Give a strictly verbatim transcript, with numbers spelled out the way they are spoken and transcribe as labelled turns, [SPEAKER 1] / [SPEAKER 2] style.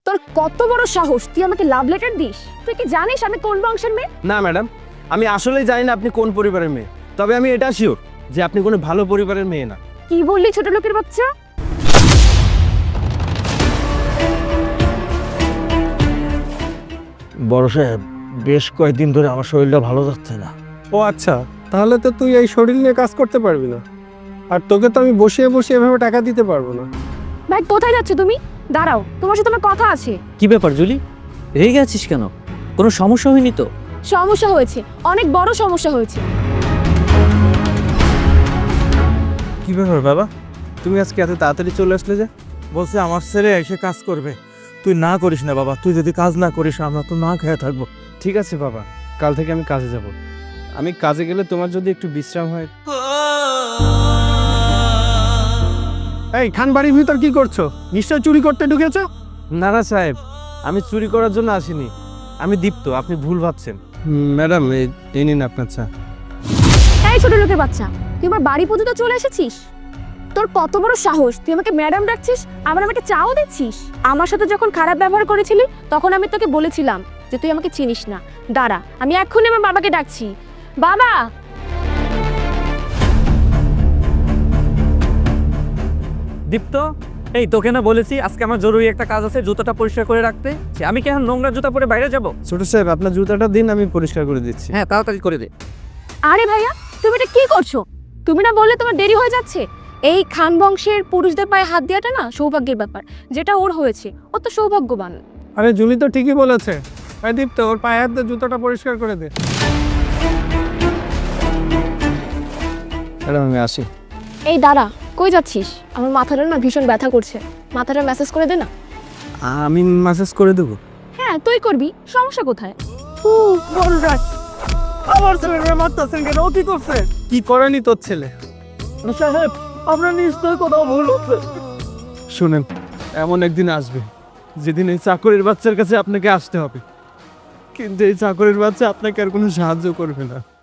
[SPEAKER 1] তোর কত বড় সাহস, তুই আমাকে লাভ লেটার দিস? তুই কি জানিস আমি কোন বংশের মেয়ে?
[SPEAKER 2] না ম্যাডাম, আমি আসলেই জানি না আপনি কোন পরিবারের মেয়ে, তবে আমি এটা শিওর যে আপনি কোনো ভালো পরিবারের মেয়ে না।
[SPEAKER 1] কি বললি ছোট লোকের বাচ্চা?
[SPEAKER 3] বড় সাহেব, বেশ কয়েকদিন ধরে আমার শরীরটা ভালো যাচ্ছে না।
[SPEAKER 4] ও আচ্ছা, তাহলে তো তুই এই শরীর নিয়ে কাজ করতে পারবি না, আর তোকে তো আমি বসিয়ে বসিয়ে এভাবে টাকা দিতে পারবো না।
[SPEAKER 1] ভাই কোথায় যাচ্ছ তুমি? দাঁড়াও, তোমার সাথে আমার কথা আছে।
[SPEAKER 5] কি ব্যাপার জুলি, রেগে আছিস কেন? কোনো সমস্যা হয়নি তো?
[SPEAKER 1] সমস্যা হয়েছে, অনেক বড় সমস্যা হয়েছে।
[SPEAKER 2] কি ব্যাপার বাবা, তুমি আজকে এত তাড়াতাড়ি চলে আসলে যে?
[SPEAKER 3] বলছে আমার ছেলে এসে কাজ করবে, তুই না করিস না বাবা। তুই যদি কাজ না করিস আমরা তো না খেয়ে থাকবো।
[SPEAKER 2] ঠিক আছে বাবা, কাল থেকে আমি কাজে যাব। আমি কাজে গেলে তোমার যদি একটু বিশ্রাম হয়।
[SPEAKER 4] এই খান বাড়ির ভিতর কি করছো? নিশ্চয় চুরি করতে ঢুকেছো?
[SPEAKER 2] না না সাহেব, আমি চুরি করার জন্য আসিনি, আমি দীপ্ত, আপনি ভুল ভাবছেন। ম্যাডাম, এই নিন আপনার চা।
[SPEAKER 1] এই ছোট লোকের বাচ্চা, তুই আমার বাড়ি পর্যন্ত চলে এসেছিস? তোর কত বড় সাহস, তুই আমাকে ম্যাডাম ডাকছিস, আবার আমাকে চাও দিচ্ছিস? আমার সাথে যখন খারাপ ব্যবহার করেছিলি তখন আমি তোকে বলেছিলাম যে তুই আমাকে চিনিস না। দাঁড়া, আমি এক্ষুনি আমার বাবাকে ডাকছি। বাবা!
[SPEAKER 5] দীপ্ত, এই তোকে না বলেছি আজকে আমার জরুরি একটা কাজ আছে, জুতোটা পরিষ্কার করে রাখতে। সে আমি কেন নোংরা জুতা পরে বাইরে যাব?
[SPEAKER 2] ছোট সাহেব, আপনার জুতাটা দিন, আমি পরিষ্কার করে দিচ্ছি।
[SPEAKER 5] হ্যাঁ, তাড়াতাড়ি করে দে।
[SPEAKER 1] আরে ভাইয়া, তুমি এটা কি করছো? তুমি না বললে তোমার দেরি হয়ে যাচ্ছে? এই খান বংশের পুরুষদের পায়ে হাত দেওয়াটা না সৌভাগ্যের ব্যাপার, যেটা ওর হয়েছে, ও তো সৌভাগ্যবান।
[SPEAKER 4] আরে জুলি তো ঠিকই বলেছে। এই দীপ্ত, ওর পায়ে হাত দিয়ে জুতোটা পরিষ্কার করে দে।
[SPEAKER 2] ম্যাডাম, আমি আসি।
[SPEAKER 1] এই দাঁড়া, কই যাচ্ছিস? আমার মাথাটা না ভীষণ ব্যথা করছে, মাথাটা ম্যাসেজ করে দে না।
[SPEAKER 2] আমি মেসেজ করে দেবো।
[SPEAKER 1] হ্যাঁ তুই করবি, সমস্যা কোথায়?
[SPEAKER 4] আমার ছেলেকে মারতেছেন কেন? ও কি করছে? কি করেনি তোর ছেলে?
[SPEAKER 3] সাহেব, আপনার নিশ্চয় কোথাও ভুল হচ্ছে।
[SPEAKER 2] শুনেন, এমন একদিন আসবে যেদিন এই চাকরির বাচ্চার কাছে আপনাকে আসতে হবে, কিন্তু এই চাকরির বাচ্চা আপনাকে আর কোনো সাহায্য করবে না।